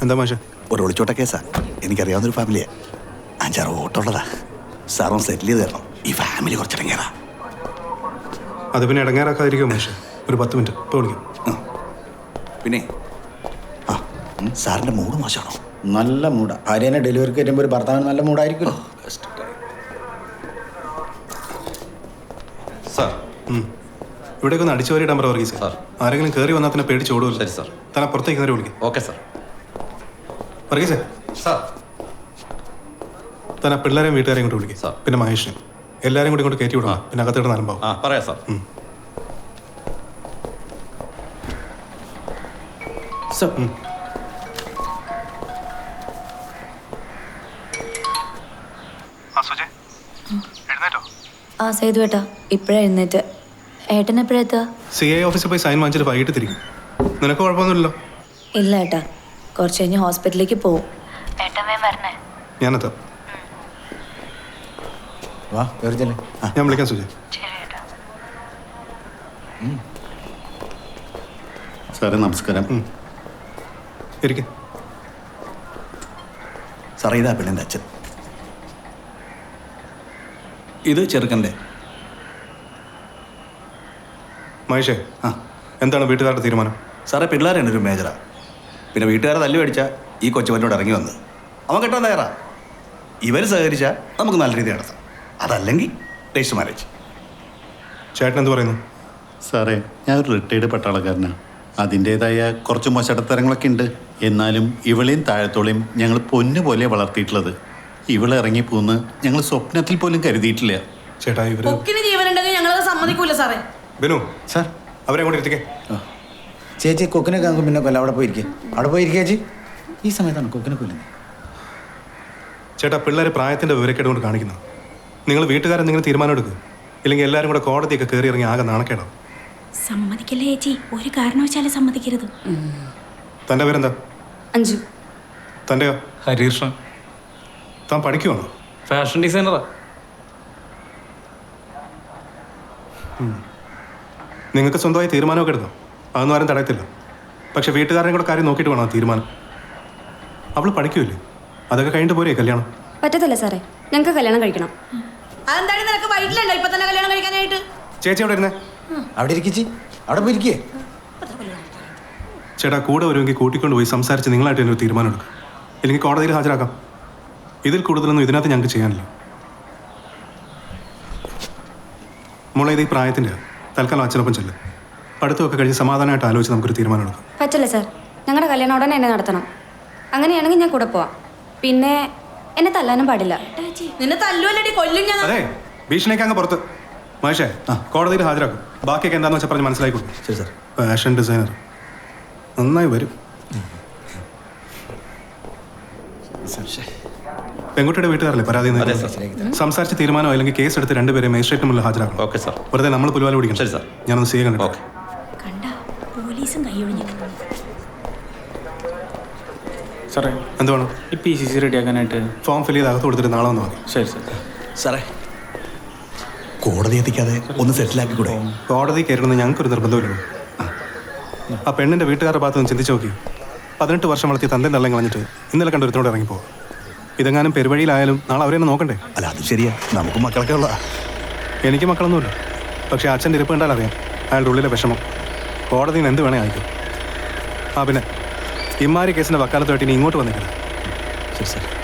എന്താ മാഷ? ഒരു ഒളിച്ചോട്ട കേസാ. എനിക്കറിയാവുന്നൊരു ഫാമിലിയാ. 5-6 വോട്ടുള്ളതാ. സാറും സെറ്റിൽ ചെയ്ത് തരണം. ഈ ഫാമിലി കുറച്ചിടങ്ങേറാ. അത് പിന്നെ ഇടങ്ങേറാക്കാതിരിക്കുമോ മാഷ? ഒരു 10 മിനിറ്റ് ഇപ്പോൾ വിളിക്കും. പിന്നെ സാറിൻ്റെ മൂഡ് മോശമാണോ? നല്ല മൂടാ. ഭാര്യനെ ഡെലിവറിക്ക് വരുമ്പോൾ ഒരു ഭർത്താവിന് നല്ല മൂടായിരിക്കുമല്ലോ. സാർ ഇവിടേക്ക് ഒന്ന് അടിച്ചു വരിയിടാൻ പറ വർഗീസ്. ആരെങ്കിലും കയറി വന്നാൽ തന്നെ പേടിച്ച് ഓടുമല്ലോ. ശരി സാർ. തന്നെ പുറത്തേക്ക് കയറി വിളിക്കും. Okay sir. വർഗീസേ, സാർ തന്നെ പിള്ളേരെയും വീട്ടുകാരെയും കൊണ്ട് വിളിക്കും. സാർ. പിന്നെ മഹേഷിനെ എല്ലാവരും കൂടി ഇങ്ങോട്ട് കയറ്റി വിടണം. പിന്നെ അകത്തോട്ട് നലമ്പാവും. പറയാം സാർ. ആ സേതു ഏട്ടാ, ഇപ്പഴാ എഴുന്നേറ്റ്. ഏട്ടൻ എപ്പോഴാ എത്തുക? CI ഓഫീസിൽ പോയി സൈൻ വാങ്ങിച്ചിട്ട് വൈകിട്ട് തിരിക്കും. നിനക്ക് കുഴപ്പമൊന്നുമില്ലല്ലോ? ഇല്ല ഏട്ടാ, കുറച്ച് കഴിഞ്ഞ് ഹോസ്പിറ്റലിലേക്ക് പോവും. ഞാനെത്താം. വാ കയറിച്ചല്ലേ. ഞാൻ വിളിക്കാം സുജയ്. സാറേ നമസ്കാരം. ഇരിക്കും. സാറേ, ഇതാ പെണ്ണിൻ്റെ അച്ഛൻ. ഇത് ചെറുക്കൻ്റെ. മഹേഷേ, എന്താണ് വീട്ടുകാരുടെ തീരുമാനം? സാറേ, പിള്ളേരാണ് ഒരു മേജറാ. പിന്നെ വീട്ടുകാരെ തല്ലു മേടിച്ചാൽ ഈ കൊച്ചുവനോട് ഇറങ്ങി വന്ന് അവൻ കെട്ടാൻ തയ്യാറാ. ഇവർ സഹകരിച്ചാൽ നമുക്ക് നല്ല രീതിയിൽ നടത്താം. അതല്ലെങ്കിൽ രജിസ്റ്റർ മാരേജ്. ചേട്ടൻ എന്ത് പറയുന്നു? സാറേ, ഞാൻ ഒരു റിട്ടയർഡ് പട്ടാളക്കാരനാണ്. അതിൻ്റേതായ കുറച്ച് മോശടത്തരങ്ങളൊക്കെ ഉണ്ട്. എന്നാലും ഇവളെയും താഴത്തോളെയും ഞങ്ങൾ പൊന്നുപോലെ വളർത്തിയിട്ടുള്ളത്. ഇവളെ ഇറങ്ങിപ്പോന്ന് ഞങ്ങൾ സ്വപ്നത്തിൽ പോലും കരുതിയിട്ടില്ല. ചേട്ടാ, ജീവനുണ്ടെങ്കിൽ ഞങ്ങളത് സമ്മതിക്കൂല സാറേ. ബിനു സാർ, അവരെ കൂടി ഇരുത്തിക്കേ. ചേച്ചി കൊക്കിനെ കാണുമ്പോൾ പിന്നെ കൊല്ല. അവിടെ പോയിരിക്കുക. അവിടെ പോയിരിക്കുക ചേച്ചി. ഈ സമയത്താണ് കൊക്കിനെ കൊല്ലുന്നത്. ചേട്ടാ, പിള്ളേർ പ്രായത്തിൻ്റെ വിവരക്കേട് കൊണ്ട് കാണിക്കുന്നത്. നിങ്ങൾ വീട്ടുകാരെന്തെങ്കിലും തീരുമാനം എടുക്കുക. ഇല്ലെങ്കിൽ എല്ലാവരും കൂടെ കോടതിയൊക്കെ കയറി ഇറങ്ങി ആകെ നാണക്കേടാ. സമ്മതിക്കല്ലേ ചേച്ചി, ഒരു കാരണവശാലും സമ്മതിക്കരുത്. തൻ്റെ പേരെന്താ? അഞ്ജു. തൻ്റെയോ? ഹരികൃഷ്ണൻ. താൻ പഠിക്കുവാണോ? ഫാഷൻ ഡിസൈനറാ. നിങ്ങൾക്ക് സ്വന്തമായി തീരുമാനമൊക്കെ എടുക്കാം. അതൊന്നും ആരും തടയത്തില്ല. പക്ഷെ വീട്ടുകാരുടെ കൂടെ കാര്യം നോക്കിയിട്ട് വേണം തീരുമാനം. അവൾ പഠിക്കൂല്ലേ? അതൊക്കെ കഴിഞ്ഞിട്ട് പോരേ കല്യാണം? പറ്റത്തില്ല സാറേ, ഞങ്ങൾക്ക് കല്യാണം കഴിക്കണം. അതെന്താണ് നിനക്ക് വൈകിട്ടില്ലല്ലോ ഇപ്പൊ തന്നെ കല്യാണം കഴിക്കാനായിട്ട്? ചേച്ചി അവിടെ ഇരുന്നേ. അവിടെ ഇരിക്കിച്ചി. അവിടെ പോയിരിക്കേ. ചേട്ടാ, കൂടെ വരുമെങ്കിൽ കൂട്ടിക്കൊണ്ട് പോയി സംസാരിച്ച് നിങ്ങളായിട്ട് തന്നെ ഒരു തീരുമാനം എടുക്കും. ഇല്ലെങ്കിൽ കോടതിയിൽ ഹാജരാക്കാം. ഇതിൽ കൂടുതലൊന്നും ഇതിനകത്ത് ഞങ്ങൾക്ക് ചെയ്യാനില്ല. മോളെ, ഇത് ഈ പ്രായത്തിൻ്റെ തൽക്കാലം അച്ഛനൊപ്പം ചെല്ലും. പഠിത്തമൊക്കെ കഴിഞ്ഞ് സമാധാനമായിട്ട് ആലോചിച്ച് നമുക്കൊരു തീരുമാനം എടുക്കാം. പറ്റില്ല സാർ, ഞങ്ങളുടെ കല്യാണം ഉടനെ എന്നെ നടത്തണം. അങ്ങനെയാണെങ്കിൽ ഞാൻ കൂടെ പോവാം. പിന്നെ എന്നെ തല്ലാനും പാടില്ല. നിന്നെ തല്ലുവല്ലടി, കൊല്ലും ഞാൻ. അതെ, ഭീഷണിക്ക് അങ്ങ് പുറത്ത്. മഹേഷേ, കോടതിയിൽ ഹാജരാക്കും. ബാക്കിയൊക്കെ എന്താണെന്ന് വെച്ചാൽ പറഞ്ഞ് മനസ്സിലാക്കി കൊടുക്കും. ശരി സാർ. ഫാഷൻ ഡിസൈനർ നന്നായി വരും. പെൺകുട്ടിയുടെ വീട്ടുകാരല്ലേ പരാതി? സംസാരിച്ച് തീരുമാനം അല്ലെങ്കിൽ കേസ് എടുത്ത് രണ്ടുപേരെ മജിസ്ട്രേറ്റിന് മുന്നിൽ ഹാജരാക്കണം. Okay sir. വെറുതെ നമ്മൾ പുലുവാല പിടിക്കണം. ശരി സാർ. ഞാനൊന്ന് ചെയ്യാൻ കണ്ടു. ഓക്കെ. കണ്ട പോലീസും കൈയൊഴിഞ്ഞു. സാറേ, എന്തുവാണ്? ഈ PCC റെഡിയാക്കാനായിട്ട് ഫോം ഫിൽ ചെയ്ത് അകത്ത് കൊടുത്തിട്ട് നാളെ വന്നാൽ മതി. ശരി സാർ. സാറേ, കോടതി എത്തിക്കാതെ ഒന്ന് സെറ്റിലാക്കി കൂടെ? കോടതി കയറണമെന്ന് ഞങ്ങൾക്കൊരു നിർബന്ധമില്ലല്ലോ. ആ പെണ്ണിൻ്റെ വീട്ടുകാരുടെ ഭാഗത്ത് നിന്ന് ചിന്തിച്ച് നോക്കി. 18 വർഷം വളർത്തിയ തന്തേ തള്ളം കളഞ്ഞിട്ട് ഇന്നലെ കണ്ടൊരുത്തോടെ ഇറങ്ങിപ്പോകും. ഇതെങ്ങാനും പെരുവഴിയിലായാലും നാളെ അവരെന്നെ നോക്കണ്ടേ? അല്ല, അത് ശരിയാ. നമുക്ക് മക്കളൊക്കെ ഉള്ളതാ. എനിക്ക് മക്കളൊന്നുമില്ല. പക്ഷേ അച്ഛൻ്റെ ഇരിപ്പ് കണ്ടാൽ അറിയാം അയാളുടെ ഉള്ളിലെ വിഷമം. കോടതിയിൽ നിന്ന് എന്ത് വേണേ അയക്കും. പിന്നെ ഇമ്മാരി കേസിൻ്റെ വക്കാലത്തുമായിട്ട് ഇനി ഇങ്ങോട്ട് വന്നിട്ടില്ല. ശരി സാർ.